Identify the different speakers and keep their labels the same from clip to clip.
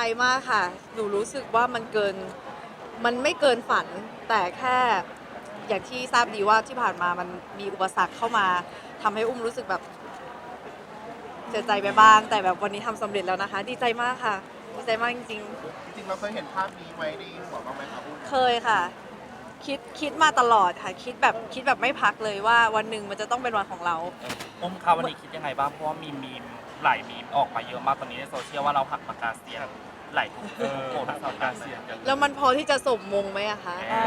Speaker 1: มากค่ะหนูรู้สึกว่ามันไม่เกินฝันแต่แค่อย่างที่ทราบดีว่าที่ผ่านมามันมีอุปสรรคเข้ามาทำให้อุ้มรู้สึกแบบเสียใจไปบ้างแต่แบบวันนี้ทำสำเร็จแล้วนะคะดีใจมากค่ะดีใจมากจริง
Speaker 2: จริงๆเราเคยเห็นภาพนี้ไว้ในหัวบ้างไหมครับอุ้ม
Speaker 1: ๆเคยค่ะคิดมาตลอดค่ะคิดแบบไม่พักเลยว่าวันหนึ่งมันจะต้องเป็นวันของเรา
Speaker 3: อุ้มคะวันนี้คิดยังไงบ้างเพราะว่ามีมหลายมีมออกมาเยอะมากตอนนี้ในโซเชียลว่าเราหักปากกาเซียนหลายทุกโหดปากกาเซียนกัน
Speaker 1: แล้วมันพอที่จะสมมงไหมอะคะ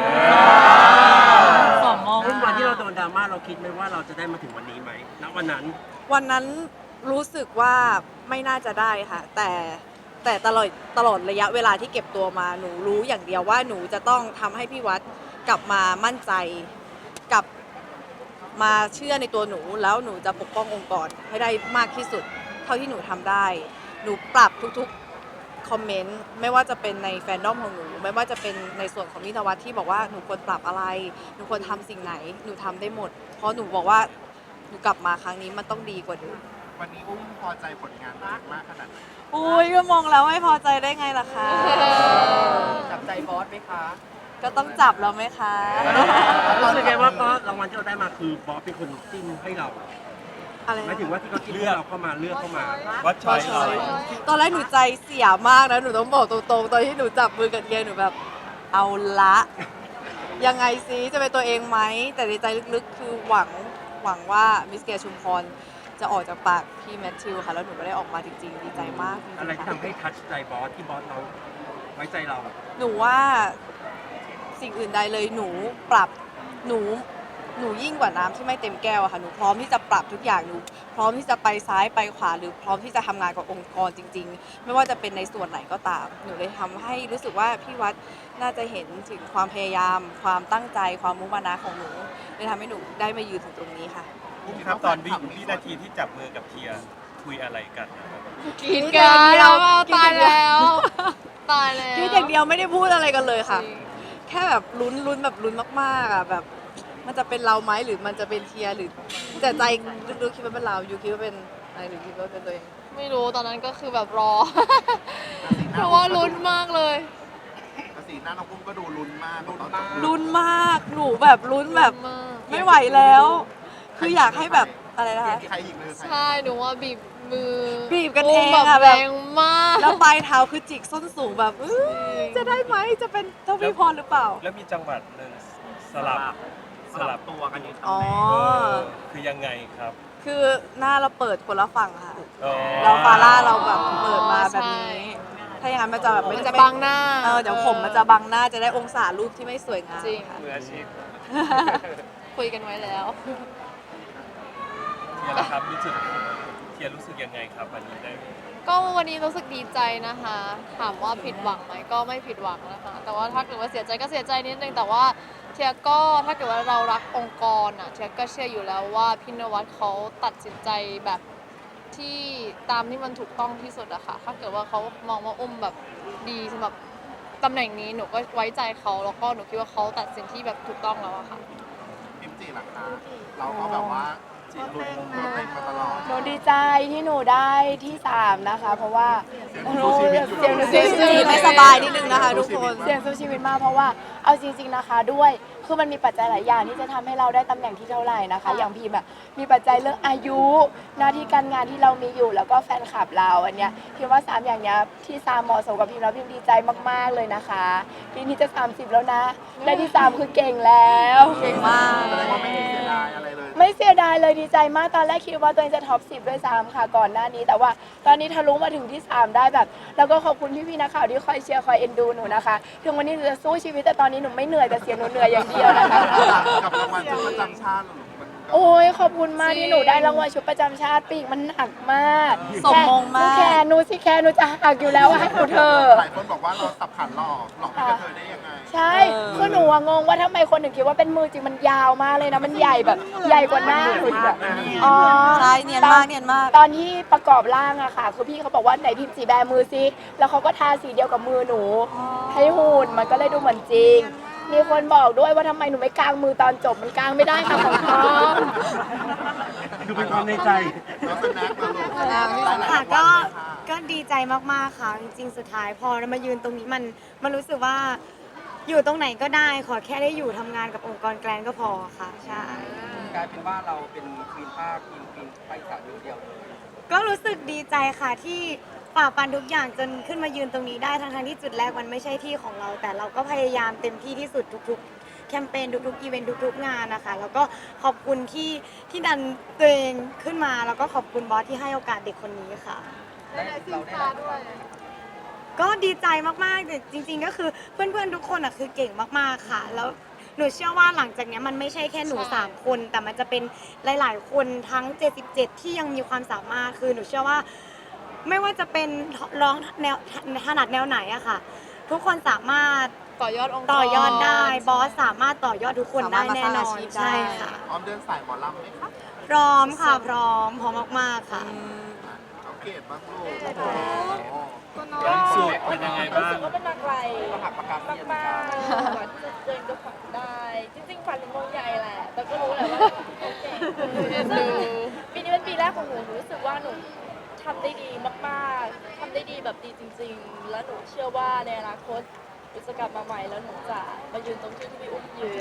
Speaker 4: สองมอง
Speaker 5: รุ่นวันที่เราโดนดราม่าเราคิดไหมว่าเราจะได้มาถึงวันนี้ไหมณวันนั้น
Speaker 1: รู้สึกว่าไม่น่าจะได้ค่ะ แต่ตลอดระยะเวลาที่เก็บตัวมาหนูรู้อย่างเดียวว่าหนูจะต้องทำให้พี่วัดกลับมามั่นใจกลับมาเชื่อในตัวหนูแล้วหนูจะปกป้ององค์กรให้ได้มากที่สุดเท่าที่หนูทำได้หนูปรับทุกๆคอมเมนต์ไม่ว่าจะเป็นในแฟนดอมของหนูไม่ว่าจะเป็นในส่วนของนิทวัฒน์ที่บอกว่าหนูควรปรับอะไรหนูควรทำสิ่งไหนหนูทำได้หมดเพราะหนูบอกว่าหนูกลับมาครั้งนี้มันต้องดีกว่าเดิม
Speaker 2: วันนี้อุ้มพอใจผลงานตัวเองมากขนาดไหน
Speaker 1: อุ้ยก็มองแล้วไม่พอใจได้ไงล่ะคะ
Speaker 4: จับใจบอสไหมคะ
Speaker 1: ก็ต้องจับแล้วไหมคะ
Speaker 5: รู้สึกไงว่าเพราะรางวัลที่เราได้มาคือบอสเป็นคนจิ้มให้เรา
Speaker 1: อะไร
Speaker 5: หมายถึงว่าที่เขาจิ้มให้เราเข้ามาเลือกเข้ามา
Speaker 3: วัดช้อยเรา
Speaker 1: ตอนแรกหนูใจเสียมากนะหนูต้องบอกตรงๆตอนที่หนูจับมือกับเทียหนูแบบเอาละยังไงซิจะเป็นตัวเองไหมแต่ในใจลึกๆคือหวังว่ามิสเกียชุมพรจะออกจากปากพี่แมทธิวค่ะแล้วหนูก็ได้ออกมาจริงๆดีใจมากจงๆ
Speaker 5: อะไรที่
Speaker 1: ค่ะ
Speaker 5: ทำให้ทัชใจบอสที่บอสเราไว้ใจเรา
Speaker 1: หนูว่าสิ่งอื่นใดเลยหนูปรับหนูยิ่งกว่าน้ำที่ไม่เต็มแก้วอะค่ะหนูพร้อมที่จะปรับทุกอย่างหนูพร้อมที่จะไปซ้ายไปขวาหรือพร้อมที่จะทำงานกับองค์กรจริงๆไม่ว่าจะเป็นในส่วนไหนก็ตามหนูเลยทำให้รู้สึกว่าพี่วัดน่าจะเห็นถึงความพยายามความตั้งใจความมุ่งมั่นของหนูเลยทำให้หนูได้มายืนถึงตรงนี้ค่ะ
Speaker 3: อุ้มครับตอนวินาทีที่จับมือกับเทียคุยอะไรกันนะครับ
Speaker 6: กินกันแล้วตายแล้วตายแล้ว
Speaker 1: คิดอย่างเดียวไม่ได้พูดอะไรกันเลยค่ะ แค่แบบลุ้นแบบลุ้นมากๆอ่ะแบบมันจะเป็นเราไหมหรือมันจะเป็นเทียร์หรือแต่ใจลึกๆคิดว่าเป็นเรายูคิดว่าเป็นอะไรหรือคิดว่าเป็นตัวเอง
Speaker 6: ไม่รู้ตอนนั้นก็คือแบบรอ เพราะว่าลุ้นมากเลย
Speaker 2: แต่สีหน้าน้องอุ้มก็ดูลุ้นมากลุ้นมาก
Speaker 1: ลุ้นมากหนูแบบลุ้นแบบไม่ไหวแล้ว คืออยากให้แบบอะไรนะคะ
Speaker 2: ใครอีกเลยใคร
Speaker 6: ใช่หนูว่าบีบมือ
Speaker 1: บีบกันเอง
Speaker 6: แบบ
Speaker 1: อะ
Speaker 6: แร
Speaker 1: แบบ
Speaker 6: งมาก
Speaker 1: แล้วปลายเท้าคือจิกส้นสูงแบบจะได้ไหมจะเป็นเท่าพี่พรหรือเปล่า
Speaker 3: แล้วมีจังหวัดหนึ่งสลับตัวกันอยู่
Speaker 1: อ๋อ
Speaker 3: คือยังไงครับ
Speaker 1: คือหน้าเราเปิดคนละฝั่งค่ะ
Speaker 3: อ๋อ
Speaker 1: เราฟาร่าเราแบบเปิดมาแบบนี้ ถ้าอย่างนั้นมันจะแบบ
Speaker 6: มันจะบังหน้า
Speaker 1: เดี๋ยวผมมันจะบังหน้าจะได้องศารูปที่ไม่สวยงาม
Speaker 6: จริง
Speaker 1: ค่ะ
Speaker 3: มืออาชีพ
Speaker 6: คุยกันไว้แล้ว
Speaker 3: เทียร์ครับเทียร์รู้สึกยังไงครับวันนี้ได้
Speaker 6: ก็วันนี้รู้สึกดีใจนะคะ ถามว่าผิดหวังไหมก็ไม่ผิดหวังนะคะ แต่ว่าถ้าเกิดว่าเสียใจก็เสียใจนิดนึงแต่ว่าเทียก็ถ้าเกิดว่าเรารักองค์กรอ่ะเทียก็เชื่ออยู่แล้วว่าพี่นวัดเขาตัดสินใจแบบที่ตามที่มันถูกต้องที่สุดอะค่ะถ้าเกิดว่าเขามองว่าอุ้มแบบดีสำหรับตำแหน่งนี้หนูก็ไว้ใจเขาแล้วก็หนูคิดว่าเขาตัดสินที่แบบถูกต้องแล้วอะค่ะ
Speaker 2: พิมจีหลังคาเราก็แบบว่าลุ้นตัวเองมาตลอด
Speaker 7: หนูดีใจที่หนูได้ที่ 3 นะคะ เพราะว่า
Speaker 2: สู้ชีวิตอยู่
Speaker 7: เสียงหนูสู้ชี
Speaker 1: จี
Speaker 7: วิต
Speaker 1: ไม่สบายนิดนึงนะคะทุกคน
Speaker 7: เสียงสู้ชีวิตมากเพราะว่าเอาจริงๆนะคะด้วยคือมันมีปัจจัยหลายอย่างที่จะทำให้เราได้ตำแหน่งที่เท่าไหร่นะคะ อย่างพิมพ์อะมีปัจจัยเรื่องอายุหน้าที่การงานที่เรามีอยู่แล้วก็แฟนคลับเราอันเนี้ยพิมว่า3อย่างเนี้ยที่3เหมาะสมกับพิมแล้วพิมดีใจมากๆเลยนะคะปีนี้จะ30แล้วนะได้ที่3คือเก่งแล้ว
Speaker 1: เก่งมาก
Speaker 2: แสดงว่าไม่ได้เสียดายอะไรเลย
Speaker 7: ไม่เสียดายเลยดีใจมากตอนแรกคิดว่าตัวเองจะท็อป 10 ด้วยซ้ำค่ะก่อนหน้านี้ แต่ว่าตอนนี้ทะลุมาถึงที่ 3 ได้แบบ แล้วก็ขอบคุณพี่ๆนักข่าวที่คอยเชียร์คอยเอ็นดูหนูนะคะถึงวันนี้หนูจะสู้ชีวิตแต่ตอนนี้หนูไม่เหนื่อยแต่เสียงหนูเหนื่อยอย่างเดียวนะคะ
Speaker 2: กับรางวัลชุดประจำชาติมันก็
Speaker 7: โอ้ยขอบคุณมากที่หนูได้รางวัลชุดประจำชาติปีกมันหนักมาก
Speaker 1: สมมงมาก
Speaker 7: แค่หนูสิแค่หนูจะหักอยู่แล้วให้หนูเถอะ
Speaker 2: หลายคนบอกว่าเราสับขันหลอกให้กระเทยได้ยังไง
Speaker 7: ใช่คือหนูอะงงว่าทำไมคนถึงคิดว่าเป็นมือจริงมันยาวมากเลยนะมันใหญ่แบบใหญ่กว่าหน้าหนูอีกแบบอ๋อ
Speaker 1: ใช่เนียนมากเนียนมาก
Speaker 7: ตอนที่ประกอบร่างอะค่ะ คือพี่เขาบอกว่าไหนพิมพ์สีแบมือซิแล้วเขาก็ทาสีเดียวกับมือหนู ให้หุ่นมันก็เลยดูเหมือนจริง มีคนบอกด้วยว่าทำไมหนูไม่กางมือตอนจบมันกางไม่ได้ค่ะของเขา
Speaker 5: คือเป็นความในใจ
Speaker 2: แล้วสแน็คนะลูก
Speaker 1: อ่า
Speaker 8: ค่ะ
Speaker 2: ก็
Speaker 8: ก็ดีใจมากๆค่ะ จริงๆสุดท้ายพอมายืนตรงนี้มันรู้สึกว่าอยู่ตรงไหนก็ได้ขอแค่ได้อยู่ทำงานกับองค์กรแกรนก็พอค่ะใช่
Speaker 4: กลายเป็นว่าเราเป็นควีนภาคควีนภาคอีสานเดียวเลย
Speaker 8: ก็รู้สึกดีใจค่ะที่ฝ่าฟันทุกอย่างจนขึ้นมายืนตรงนี้ได้ทั้งๆที่จุดแรกมันไม่ใช่ที่ของเรา แต่เราก็พยายามเต็มที่ที่สุดทุกๆแคมเปญทุกๆอีเวนต์ทุกๆงานนะคะแล้วก็ขอบคุณที่ดันตัวเองขึ้นมาแล้วก็ขอบคุณบอสที่ให้โอกาสเด็กคนนี้ค่ะ
Speaker 4: เราได้รับด้วย
Speaker 8: ก็ดีใจมากๆแต่จริงๆ ก็คือเพื่อนๆ ทุกคนอ่ะคือเก่งมากๆ ค่ะ แล้วหนูเชื่อว่าหลังจากเนี้ยมันไม่ใช่แค่หนู
Speaker 6: ใช่
Speaker 8: 3 คน แต่มันจะเป็นหลายๆ คนทั้ง 77 ที่ยังมีความสามารถ คือหนูเชื่อว่าไม่ว่าจะเป็นร้องแนวถนัดแนวไหนอะค่ะ ทุกคนสามารถ
Speaker 6: ต่อยอดองค์กร
Speaker 8: ต่อยอดได้ บอสสามารถต่อยอดทุกคนได้แน่นอน
Speaker 1: สามารถมาสร้างอาชีพได้
Speaker 8: ใช่ค่ะ
Speaker 2: พร้อมเดินสายหมอลำไหมคะ
Speaker 8: พร้อมค่ะ พร้อมมากๆ ค่ะ
Speaker 2: น้องเกดบ้างลูก
Speaker 5: สุดเป็นยังไงบ้าง
Speaker 9: รู้สึกว่าเป็นมาไกล
Speaker 4: ก็หักปากกาเซียนเหมือน
Speaker 9: มา
Speaker 4: กัน
Speaker 9: กๆกว่าที่จะเดินจะฝันได้ จริงๆฝันถึงวงใหญ่แหละ แต่ก็รู้แหละว่าเขาเก่งซึ่งปีนี้เป็นปีแรกของหนูหนูรู้สึกว่าหนูทำได้ดีมากๆทำได้ดีแบบดีจริง ๆ และหนูเชื่อว่าในอนาคตหนูจะกลับมาใหม่แล้วหนูจะมายืนตรงที่พี่อุ้มยืน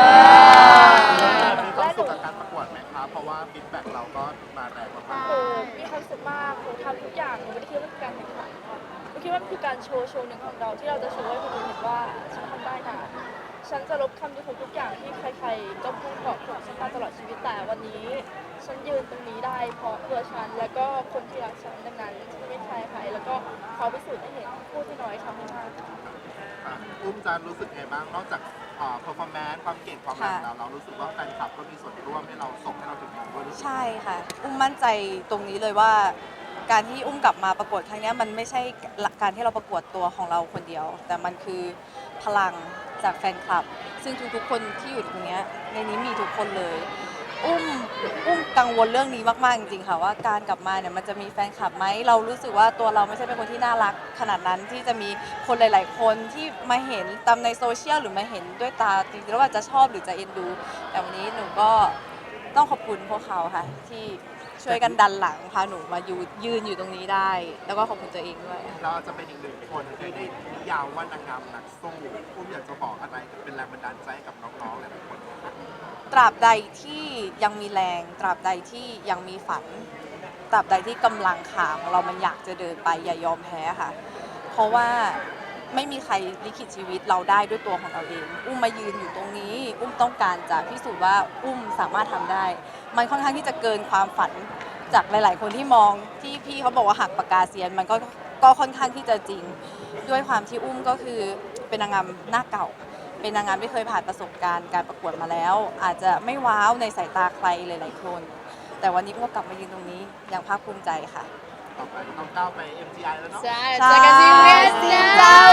Speaker 2: มีความสุขกับการประกวดไหมคะเพราะว่าฟีดแบ็กเราก็มาแรงมาก
Speaker 9: โอ้มีความสุขมากหนูทำทุกอย่างหนูไม่ได้คิดว่าเป็นการแข่งขันหนูคิดว่ามันคือการโชว์หนึ่งของเราที่เราจะโชว์ให้คนอื่นเห็นว่าฉันทำได้นะ ฉันจะลบคำดูถูกทุกอย่างที่ใครๆก็พูดบอกฉันมาตลอดชีวิตแต่วันนี้ ฉันยืนตรงนี้ได้เพราะเพื่อฉันแล้วก็คนที่รักฉันดังนั้นฉันไม่ใช่ใครแล้วก็เขาพิสูจน์ให้เห็นพูดที่น้อยทำให้มาก
Speaker 2: ๆอุ้มจะรู้สึกไงบ้างนอกจากperformance ความเก่งความแรงแล้วเรารู้สึกว่าแฟนคลับก็มีส่วนร่วมให้เราส่งให้เราถึงจุดนี้ด้วย
Speaker 1: ใช่ค่ะ อุ้มมั่นใจตรงนี้เลยว่า การที่อุ้มกลับมาประกวดครั้งเนี้ยมันไม่ใช่การที่เราประกวดตัวของเราคนเดียว แต่มันคือพลังจากแฟนคลับ ซึ่งทุกๆคนที่อยู่ตรงเนี้ยในนี้มีทุกคนเลย อุ้มกังวลเรื่องนี้มากๆจริงๆค่ะว่าการกลับมาเนี่ยมันจะมีแฟนคลับไหมเรารู้สึกว่าตัวเราไม่ใช่เป็นคนที่น่ารักขนาดนั้นที่จะมีคนหลาย ๆ คนที่มาเห็นตามในโซเชียลหรือมาเห็นด้วยตาจริงๆแล้วว่าจะชอบหรือจะเอ็นดู แต่วันนี้หนูก็ต้องขอบคุณพวกเขาค่ะที่ช่วยกันดันหลังพาหนูมายืนอยู่ตรงนี้ได้ แล้วก็ขอบคุณตัวเองด้วย
Speaker 2: เราจะเป็นอีกหนึ่งคนที่ได้นิยามว่านางงามนักสู้อุ้มอยากจะบอกอะไรเป็นแรงบันดาลใจให้กับน้องๆหลายๆคน
Speaker 1: ตราบใดที่ยังมีแรง ตราบใดที่ยังมีฝัน ตราบใดที่กำลังขาของเรามันอยากจะเดินไปอย่ายอมแพ้ค่ะ เพราะว่าไม่มีใครลิขิตชีวิตเราได้ด้วยตัวของเราเอง อุ้มมายืนอยู่ตรงนี้ อุ้มต้องการจะพิสูจน์ว่าอุ้มสามารถทำได้ มันค่อนข้างที่จะเกินความฝันจากหลาย ๆ คนที่มองที่พี่เขาบอกว่าหักปากกาเซียน มันก็ค่อนข้างที่จะจริง ด้วยความที่อุ้มก็คือเป็นนางงามหน้าเก่า เป็นนางงามที่เคยผ่านประสบการณ์การประกวดมาแล้ว อาจจะไม่ว้าวในสายตาใครหลาย ๆ คน แต่วันนี้อุ้มก็กลับมายืนตรงนี้อย่างภาคภูมิใจค่ะ
Speaker 2: ต่อไปน้องก้าวไป MGI แล้วเนาะ
Speaker 6: ใช่เจอกันที่เวียดนาม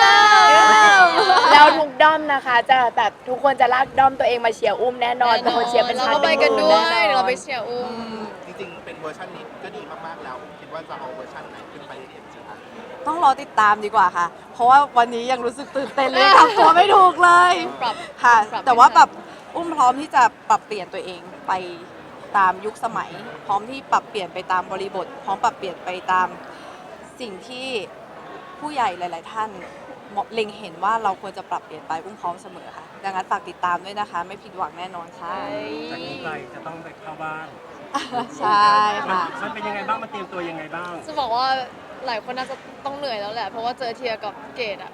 Speaker 7: แล้วทุกด้อมนะคะ จะแบบทุกคนจะลากด้อมตัวเองมาเชียร์อุ้มแน่นอนเป็นคนเชียร์เป็น
Speaker 6: เรา
Speaker 7: พัน
Speaker 6: ก็ไป
Speaker 7: เป็นห
Speaker 6: กัน
Speaker 7: มื่น
Speaker 6: ด้ว
Speaker 7: แน่
Speaker 6: ย
Speaker 7: นอน
Speaker 6: เดี๋ยวเราไปเชียร์อุ้ม
Speaker 2: จริงๆ เป็นเวอร์ชันนี้ก็ดีมากๆแล้ว คิดว่าจะเอาเวอร์ชันไหนขึ้นไป MGI
Speaker 1: ต้องรอติดตามดีกว่าค่ะ เพราะว่าวันนี้ยังรู้สึกตื่นเต้นเลยทำตัวไม่ถูกเลย
Speaker 6: ปรับ
Speaker 1: ค่ะ
Speaker 6: ปรับ
Speaker 1: แต่ว่า
Speaker 6: ให้ทัน
Speaker 1: แบบอุ้มพร้อมที่จะปรับเปลี่ยนตัวเองไปตามยุคสมัย พร้อมที่ปรับเปลี่ยนไปตามบริบท พร้อมปรับเปลี่ยนไปตามสิ่งที่ผู้ใหญ่หลาย ๆ ท่านเล็งเห็นว่าเราควรจะปรับเปลี่ยนไปอุ้มพร้อมเสมอค่ะ ดังนั้นฝากติดตามด้วยนะคะ ไม่ผิดหวังแน่นอนค่ะ
Speaker 5: จากนี้ไปจะต้องไปเข้าบ้าน
Speaker 1: ใช่ค่ะ
Speaker 5: มันเป็นยังไงบ้างมันเตรียมตัวยังไงบ้าง
Speaker 6: จะบอกว่าหลายคนน่าจะต้องเหนื่อยแล้วแหละ เพราะว่าเจอเทียกับเกดอะ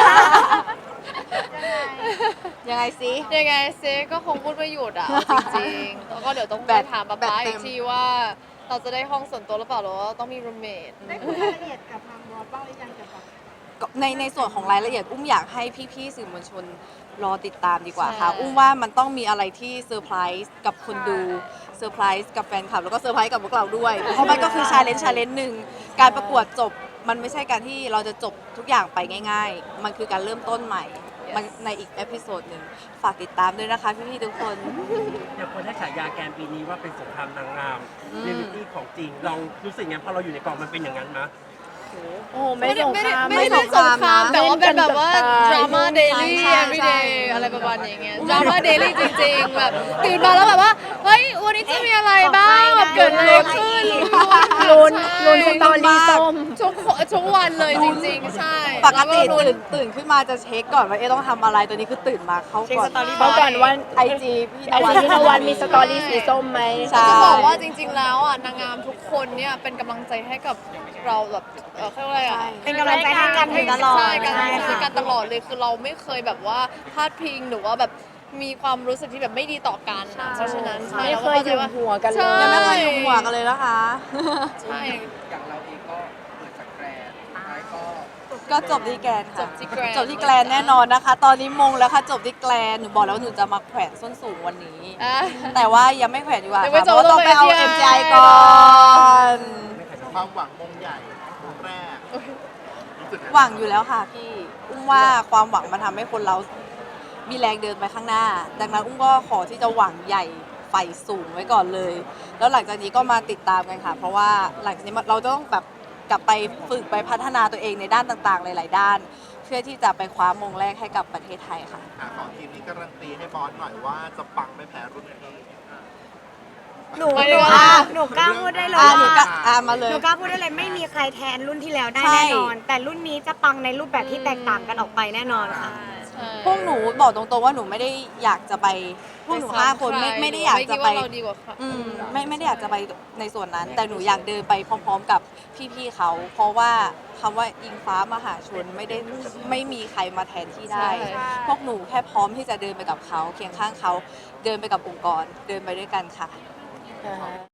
Speaker 1: ยังไงซิ
Speaker 6: ยังไงเซก็คงพูดไม่หยุดอะเอาจริงๆ แล้วก็เดี๋ยวต้องไปถามป๊าป๊าอีกทีว่าเราจะได้ห้องส่วนตัวหรือเปล่าหรือว่าต้องมีรูมเมท
Speaker 9: ได้คุยรายละเอียดกับทางบอสบ้างหรือยังเกี่ยวกับ
Speaker 1: ในส่วนของรายละเอียดอุ้มอยากให้พี่ๆสื่อมวลชนรอติดตามดีกว่าค่ะ อุ้มว่ามันต้องมีอะไรที่เซอร์ไพรส์กับคนดูเซอร์ไพรส์กับแฟนคลับแล้วก็เซอร์ไพรส์กับพวกเราด้วย เพราะมันก็คือชาเลนจ์หนึ่งการประกวดจบมันไม่ใช่การที่เราจะจบทุกอย่างไปง่าย ๆ มันคือการเริ่มต้นใหม่มันในอีกเอพิโซดหนึ่งฝากติดตามด้วยนะคะพี่ๆทุกคน
Speaker 5: อย่างคนให้ฉายาแกนปีนี้ว่าเป็นสงครามนางงามเรียลลิตี้ของจริงลองรู้สึกไงพอเราอยู่ในกองมันเป็นอย่างนั้นนะ
Speaker 7: โอ้ไม่สงคราม
Speaker 6: ไม่ได้เป็นสงคราม
Speaker 1: นะ
Speaker 6: แต่ว่าเป็นแบบว่า
Speaker 7: เล่นกันกับตาย
Speaker 6: ดราม่าเดลี่
Speaker 1: ใช่
Speaker 6: every
Speaker 1: ใช่
Speaker 6: day อะไรประมาณอย่างเงี้ยดราม่าเดลี่จริงๆ แบบตื่นมาแล้วแบบว่า เฮ้ยวันวันนี้จะมีอะไรบ้างแบบเกิดอะไรขึ้น
Speaker 7: ลุ้นสตอรี่ส้ม
Speaker 6: ทุกวันเลยจริงๆ ใช่
Speaker 1: ปกติ
Speaker 6: แล้วลุ้น
Speaker 1: ตื่นขึ้นมาจะเช็คก่อนว่าต้องทำอะไรตัวนี้คือตื่นมาเขาก่อน
Speaker 7: เพราะก่อนว่า
Speaker 1: ไอจีพี่
Speaker 7: ไอจีพี่นวัลมีสตอรี่สีส้มไหม
Speaker 1: ใช่
Speaker 6: จะบอกว่าจริงๆ แล้วอ่ะนางงามทุกคนเนี่ยเป็นกำลังใจให้กับเราแบบเขาเรียกว่าอะไรอ่ะ
Speaker 8: เป็นกำลังใจให้กันตลอด
Speaker 6: ใช่การ
Speaker 8: ใช่
Speaker 6: ช่วย
Speaker 8: ค่ะ
Speaker 6: กันตลอดเลยคือเราไม่เคยแบบว่าพลาดพิงหรือว่าแบบมีความรู้สึกที่แบบไม่ดีต่อกันนะเพราะฉะนั้นใช่
Speaker 7: ไม่เคยหยุมหัวกันเลย
Speaker 6: ใช่
Speaker 1: ยังไม่เคยยุ่งหัวกันเลยนะคะ
Speaker 6: ใช่
Speaker 4: อย่างเราเองก็เปิดจากแกรนด์สุดท้ายก็
Speaker 1: ก็จบที่แกรนด์
Speaker 6: จ
Speaker 1: ค่ะ
Speaker 6: บที่แกรนด์
Speaker 1: จบที่แกรนด์แน่นอนนะคะ ตอนนี้มงแล้วค่ะจบที่แกรนด์หนูบอกแล้วหนูจะมาแขวนส้นสูงวันนี้
Speaker 6: อ่ะ
Speaker 1: แต่ว่ายังไม่แขวนดีกว่า
Speaker 6: ยังไม่
Speaker 1: ค่ะ
Speaker 6: จบ
Speaker 1: เพราะว่าต้องไปเอา
Speaker 6: ต้องไป
Speaker 1: MGI ก่อน
Speaker 2: ความหวังมงใหญ่มงแรกรู้สึกไ
Speaker 1: หวังอยู่แล้วค่ะพี่อุ้มว่าความหวังมันทำให้คนเรามีแรงเดินไปข้างหน้า ดังนั้นอุ้มก็ขอที่จะหวังใหญ่ไฟสูงไว้ก่อนเลย แล้วหลังจากนี้ก็มาติดตามกันค่ะ เพราะว่าหลังจากนี้เราต้องแบบกลับไปฝึกไปพัฒนาตัวเองในด้านต่างๆหลายๆด้าน เพื่อที่จะไปคว้ามงแรกให้กับประเทศไทยค่ะ
Speaker 2: ขอทีมนี้การันตีให้บอสหน่อยว่าจะปังไม่แพ้รุ่นพี่
Speaker 8: หนู
Speaker 6: ไม่ได้ว่า
Speaker 8: หนูกล้าพูดได้เลย
Speaker 1: หนู
Speaker 8: ว่า
Speaker 1: ก็มาเลย
Speaker 8: หนูกล้าพูดได้เลยไม่มีใครแทนรุ่นที่แล้วได้
Speaker 1: ใช่
Speaker 8: แน่นอน แต่รุ่นนี้จะปังในรูปแบบที่แตกต่างกันออกไปแน่นอนค่ะ
Speaker 6: ใช่
Speaker 1: พวกหนูบอกตรงๆว่าหนูไม่ได้อยากจะไปพวกหนูห้าคนไม่ได้อยากจะไป
Speaker 6: ม่คิดว่าเราดีกว่าค่ะ
Speaker 1: ไม่ได้อยากจะไปในส่วนนั้น แต่หนูอยากเดินไปพร้อมๆกับพี่ๆเขา เพราะว่าคำว่าอิงฟ้ามหาชนไม่มีใครมาแทนที่ได้
Speaker 6: ใช่
Speaker 1: พวกหนูแค่พร้อมที่จะเดินไปกับเขาเคียงข้างเขาเดินไปกับองค์กรเดินไปด้วยกันค่ะ